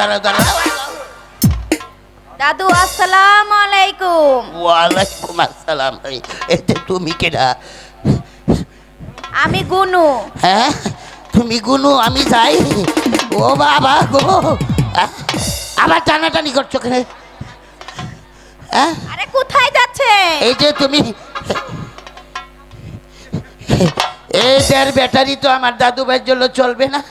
দাঁড়াও। দাদু আসসালামু আলাইকুম। ওয়ালাইকুম আসসালাম। এই যে তুমি কেডা? আমি গুনু। হ্যাঁ তুমি গুনু, আমি যাই। ও বাবা গো, আবার টানাটানি করছো কেন? হ্যাঁ আরে কোথায় যাচ্ছে? এই যে তুমি, এই দেড় ব্যাটারি তো আমার দাদু ভাইয়ের জন্য চলবে না।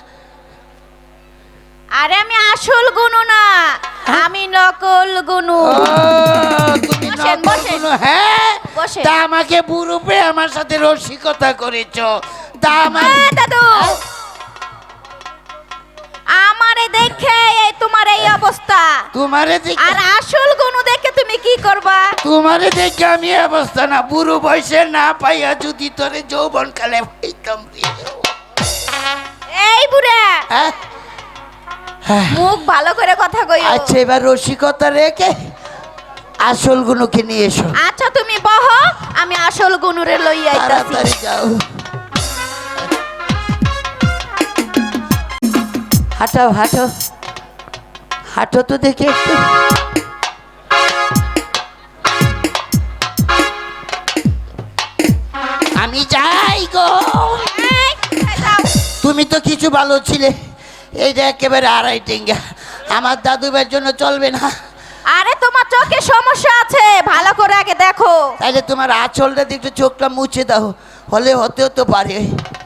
আরে আমি আসল গুনু না, আমি নকল গুনু। ও, তুমি বসেন, নকল বসেন। গুনু? হ্যাঁ বসেন। তা আমাকে বুরুপে আমার সাথে রসিকতা করেছো, তা আমার দাদু আমারে দেখে এই তোমার এই অবস্থা, তোমারে দেখে, আর আসল গুনু দেখে তুমি কি করবা? তোমারে দেখে আমি এই অবস্থা না, বুড়ো বয়সে না পাইয়া যদি তোরে যৌবন কালে পাইতাম রে। এই বুড়া, হ্যাঁ? মুখ ভালো করে কথা কইও। আচ্ছা এবার রসিকতা রেখে আসল গুনুকে নিয়ে এসো। আচ্ছা তুমি বহো, আমি আসল গুনুরে লইয়া আইতাছি। তাড়াতাড়ি যাও। হাঁটো হাঁটো হাঁটো তো দেখে একটু। আমি যাই গো। এই, কোথায় যাও? তুমি তো কিছু ভালো ছিলে, এই যে একেবারে আড়াই টেঙ্গা, আমার দাদু ভাইয়ের জন্য চলবে না। আরে তোমার চোখে সমস্যা আছে, ভালো করে আগে দেখো। তাইলে তোমার আঁচলটা দিয়ে একটু চোখটা মুছে দাও, হলে হতেও তো পারে।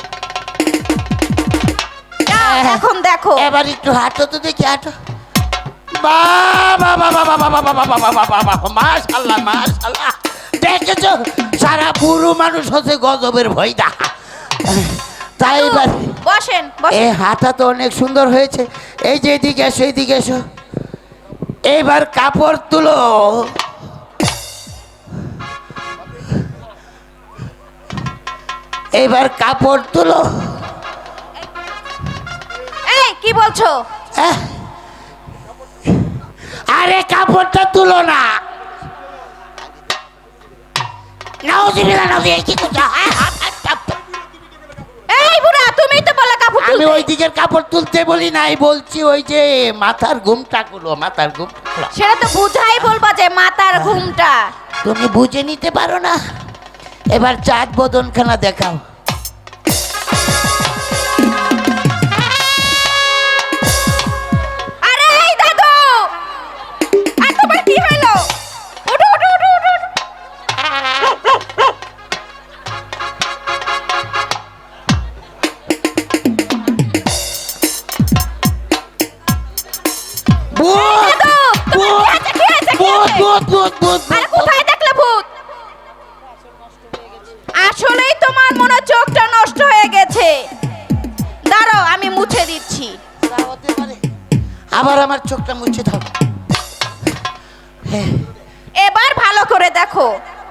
যাও, এখন দেখো। এবার একটু হাঁটো তো দেখি, হাঁটো। বাবা বাবা বাবা বাবা বাবা বাবা বাবা, মাশাআল্লাহ মাশাআল্লাহ। দেখেছো সারা পুরো মানুষ হচ্ছে গজবের ভয় দা। তাই এবার বসেন এ বসেন। হাঁটা তো অনেক সুন্দর হয়েছে। এই যে এদিকে এসো, এদিকে এসো। এইবার কাপড় তুলো। এইবার কাপড় তুলো। এই কি বলছো? হ্যাঁ? আরে কাপড়টা তুলো না। নাউজুবিল্লাহ, নাউজুবিল্লাহ, কি করছো? এই বুড়া, তুমি তো বলে কাপড় আমি তুলতে। ওই দিকের কাপড় তুলতে বলি নাই, বলছি ওই যে মাথার ঘুমটা গুলো, মাথার ঘুম। সেটা তো বুঝাই বলবা যে মাথার ঘুমটা। তুমি বুঝে নিতে পারো না। এবার চাঁদ বদনখানা দেখাও। আরে এই দাদু, আর তোমার কি হলো? ওঠো ওঠো ওঠো ওঠো। ভূত! দাদু, তোমার কি হয়েছে, কি হয়েছে, কি ভূত, হয়েছে? ভূত, ভূত, ভূত, আরে ভূত। কোথায় দেখলে ভূত? আসলেই তোমার মনে হয় চোখটা নষ্ট হয়ে গেছে। দাঁড়াও, আমি মুছে দিচ্ছি। তা হতে পারে। আবার আমার চোখটা মুছে দাও। হ্যাঁ। এবার ভালো করে দেখো।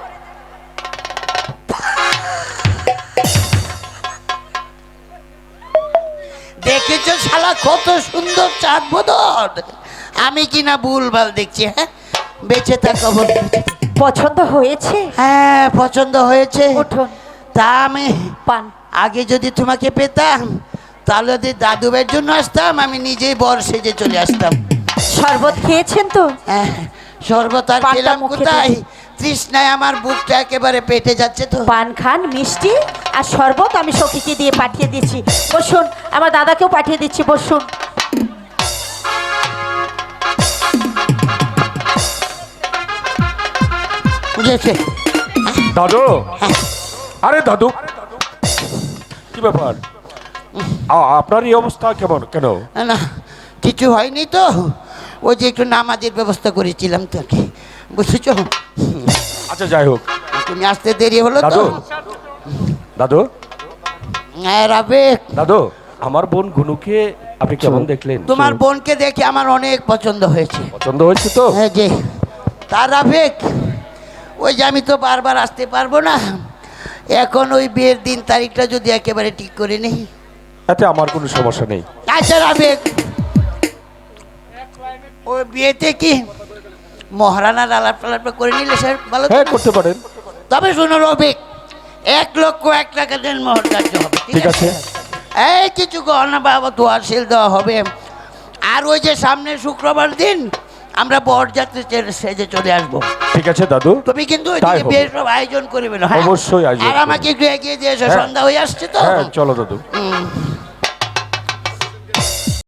দেখেছো শালা কত সুন্দর চাঁদ বদন? আমি কিনা ভুলভাল দেখছি? হ্যাঁ, বেঁচে থাকো বল। পছন্দ হয়েছে? হ্যাঁ পছন্দ হয়েছে। উঠুন, তা আমি পান। আগে যদি তোমাকে পেতাম তাহলে যদি দাদু ভাইয়ের জন্য আসতাম, আমি নিজেই বর সেজে চলে আসতাম। শরবত খেয়েছেন তো? হ্যাঁ, শরবত আর পানটা খেলাম মুখে কোথায়? দিন। তৃষ্ণায় আমার বুকটা একেবারে পেটে যাচ্ছে তো। পান খান, মিষ্টি আর শরবত আমি সখীকে দিয়ে পাঠিয়ে দিচ্ছি। বসুন, আমার দাদাকেও পাঠিয়ে দিচ্ছি, বসুন। বুঝেছে? দাদু, আরে দাদু, কি ব্যাপার? আপনার এই অবস্থা কেমন, কেন? না কিছু হয়নি তো, ওই যে একটু নামাজের ব্যবস্থা করেছিলাম তাকে, বুঝেছো? আচ্ছা যাই হোক। তুমি আসতে দেরি হলো তো। দাদু, দাদু, হ্যাঁ রাবেক, দাদু, আমার বোন গুনুকে আপনি কেমন দেখলেন? তোমার বোনকে দেখে আমার অনেক পছন্দ হয়েছে। পছন্দ হয়েছে তো? হ্যাঁ যে, তার রাবেক, ওই যে আমি তো বারবার আসতে পারবো না, এখন ওই বিয়ের দিন তারিখটা যদি একেবারে ঠিক করে নেই। তাতে আমার কোনো সমস্যা নেই। আচ্ছা রাবেক, ওই বিয়েতে কি মহারানার আলাপ টালাপ করে নিলে স্যার ভালো তো? হ্যাঁ, করতে পারেন। তবে শোনো রবিক, 1,01,000 টাকা মোহর ধার্য হবে, ঠিক আছে। এই কিছু গহনা বাবা দোয়ার সেল দেওয়া হবে, আর ওই যে সামনে শুক্রবার দিন আমরা বরযাত্রী সেজে চলে আসবো। ঠিক আছে দাদু, তুমি কিন্তু তাই ওইদিকে হবে। বেশ সব আয়োজন করবে না, হ্যাঁ? অবশ্যই আয়োজন আর করবো। আমাকে একটু এগিয়ে দিয়ে এসো, হ্যাঁ। সন্ধ্যা হয়ে আসছে তো। হ্যাঁ চলো দাদু। হুম।